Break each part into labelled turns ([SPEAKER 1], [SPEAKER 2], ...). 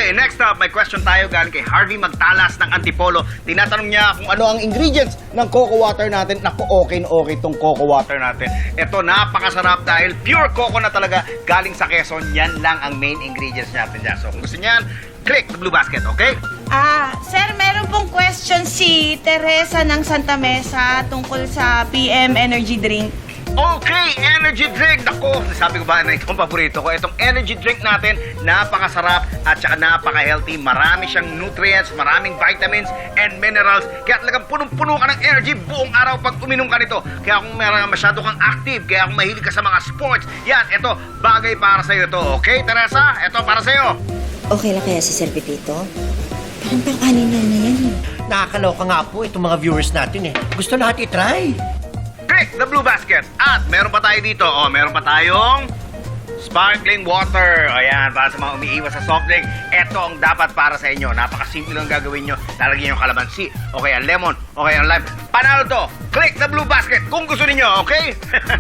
[SPEAKER 1] Okay, next up, may question tayo galing kay Harvey Magtalas ng Antipolo. Tinatanong niya kung ano ang ingredients ng coco water natin. Naku, okay na okay tong coco water natin. Ito, napakasarap dahil pure coco na talaga galing sa Quezon. Yan lang ang main ingredients natin dyan. So, kung gusto niyan, click the blue basket, okay?
[SPEAKER 2] Sir, meron pong question si Teresa ng Santa Mesa tungkol sa PM Energy Drink.
[SPEAKER 1] Okay, energy drink. Naku, sabi ko ba na itong paborito ko. Itong energy drink natin, napakasarap at saka napaka-healthy. Marami siyang nutrients, maraming vitamins and minerals. Kaya talagang punong-puno ka ng energy buong araw pag uminom ka nito. Kaya kung masyado kang active, kaya kung mahilig ka sa mga sports, yan, ito, bagay para sa'yo to. Okay, Teresa? Ito para sa'yo.
[SPEAKER 3] Okay lang kaya si Sir Pepito? Parang pang-anin na yan eh.
[SPEAKER 4] Nakakaloka nga po itong mga viewers natin eh. Gusto lahat i-try.
[SPEAKER 1] Click the blue basket. At meron pa tayo dito. Meron pa tayong sparkling water. Ayan, para sa mga umiiwas sa soft drink. Ito ang dapat para sa inyo. Napakasimple lang gagawin nyo. Lalagyan yung kalamansi, o kaya lemon, o kaya lime. Panalo to. Click the blue basket kung gusto ninyo, okay?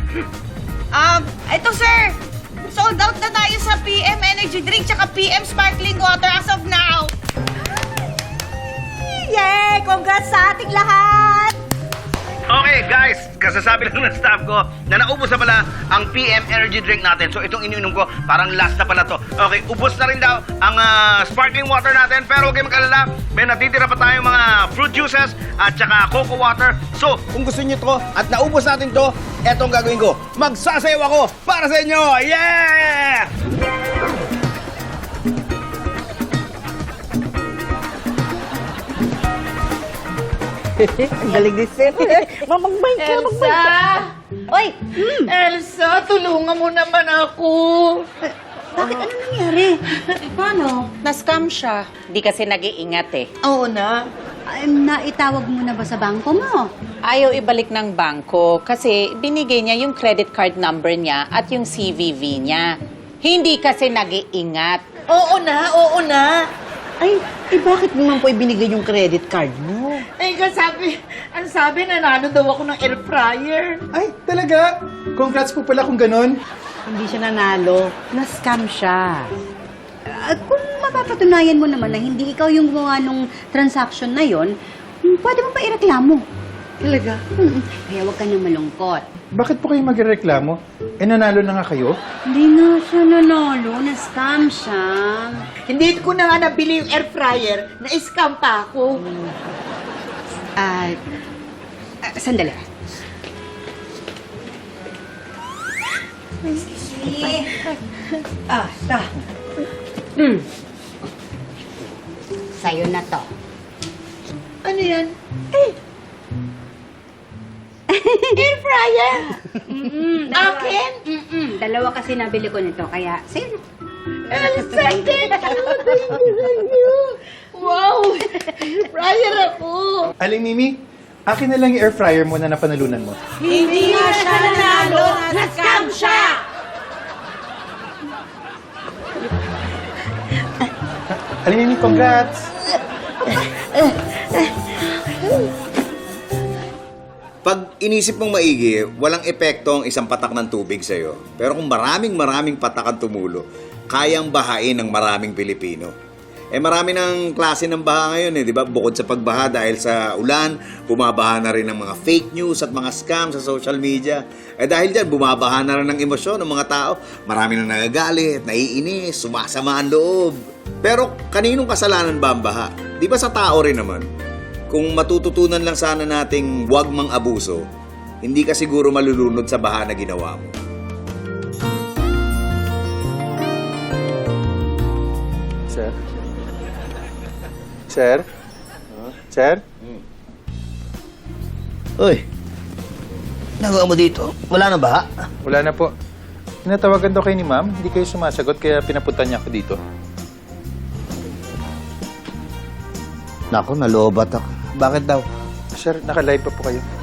[SPEAKER 2] Ito sir, sold out na tayo sa PM Energy Drink tsaka PM Sparkling Water as of now.
[SPEAKER 3] Yay! Congrats sa ating lahat!
[SPEAKER 1] Okay, guys, kasasabi lang ng staff ko na naubos na pala ang PM Energy Drink natin. So, itong iniinom ko, parang last na pala to. Okay, ubos na rin daw ang sparkling water natin. Pero huwag kayong mag-alala, may natitira pa tayong mga fruit juices at saka coco water. So, kung gusto niyo to at naubos natin to, etong gagawin ko. Magsasayaw ako para sa inyo! Yeah!
[SPEAKER 3] Ang galing ni Sir. Mamagbay ka, magbay ka. Oy!
[SPEAKER 5] Elsa, tulungan mo naman ako.
[SPEAKER 3] Bakit ano nangyari?
[SPEAKER 6] Paano? Na-scam siya. Di kasi nag-iingat eh.
[SPEAKER 5] Oo na.
[SPEAKER 7] Naitawag mo na ba sa bangko mo?
[SPEAKER 6] Ayaw ibalik ng bangko kasi binigay niya yung credit card number niya at yung CVV niya. Hindi kasi nag-iingat.
[SPEAKER 5] Oo na.
[SPEAKER 3] Ay, bakit naman po ibinigay yung credit card mo?
[SPEAKER 5] Eh, ang sabi, nanalo daw ako ng air fryer.
[SPEAKER 8] Ay, talaga? Congrats po pala kung ganon.
[SPEAKER 3] Hindi siya nanalo.
[SPEAKER 7] Na-scam siya. At kung mapapatunayan mo naman na hindi ikaw yung gumawa nung transaction na yon, pwede mo pa ireklamo.
[SPEAKER 3] Talaga?
[SPEAKER 7] Kaya huwag ka nang malungkot.
[SPEAKER 8] Bakit po kayo magreklamo? Eh, nanalo na nga kayo?
[SPEAKER 7] Hindi nga siya nanalo. Na-scam siya.
[SPEAKER 5] Hindi ko na nga nabili yung air fryer, na-scam pa ako.
[SPEAKER 7] Sandali.
[SPEAKER 3] Ta.
[SPEAKER 7] Sa'yo na to.
[SPEAKER 5] Ano yan? Air fryer? Akin?
[SPEAKER 7] Dalawa kasi nabili ko nito, kaya sa'yo na.
[SPEAKER 5] Elsa, thank you. Wow! Air fryer ako.
[SPEAKER 8] Aling Mimi, akin na lang yung air fryer mo na napanalunan mo.
[SPEAKER 5] Hindi nga siya nanalo, na-scam siya.
[SPEAKER 8] Aling Mimi, congrats!
[SPEAKER 9] Pag inisip mong maigi, walang epekto ang isang patak ng tubig sa'yo. Pero kung maraming patak ang tumulo, kayang bahain ng maraming Pilipino. Marami ng klase ng baha ngayon di ba? Bukod sa pagbaha dahil sa ulan, bumabaha na rin ng mga fake news at mga scam sa social media. Dahil dyan, bumabaha na rin ng emosyon ng mga tao. Marami nang nagagalit, naiinis, sumasama ang loob. Pero kaninong kasalanan ba ang baha? Di ba sa tao rin naman? Kung matututunan lang sana nating huwag mang abuso, hindi ka siguro malulunod sa baha na ginawa mo.
[SPEAKER 8] Sir? Sir? Sir?
[SPEAKER 4] Uy, nagawa mo dito? Wala na ba?
[SPEAKER 8] Wala na po. Tinatawagan daw kayo ni ma'am, hindi kayo sumasagot kaya pinapunta niya ako dito.
[SPEAKER 4] Naku, nalobat ako. Bakit daw?
[SPEAKER 8] Sir, naka-live pa po kayo.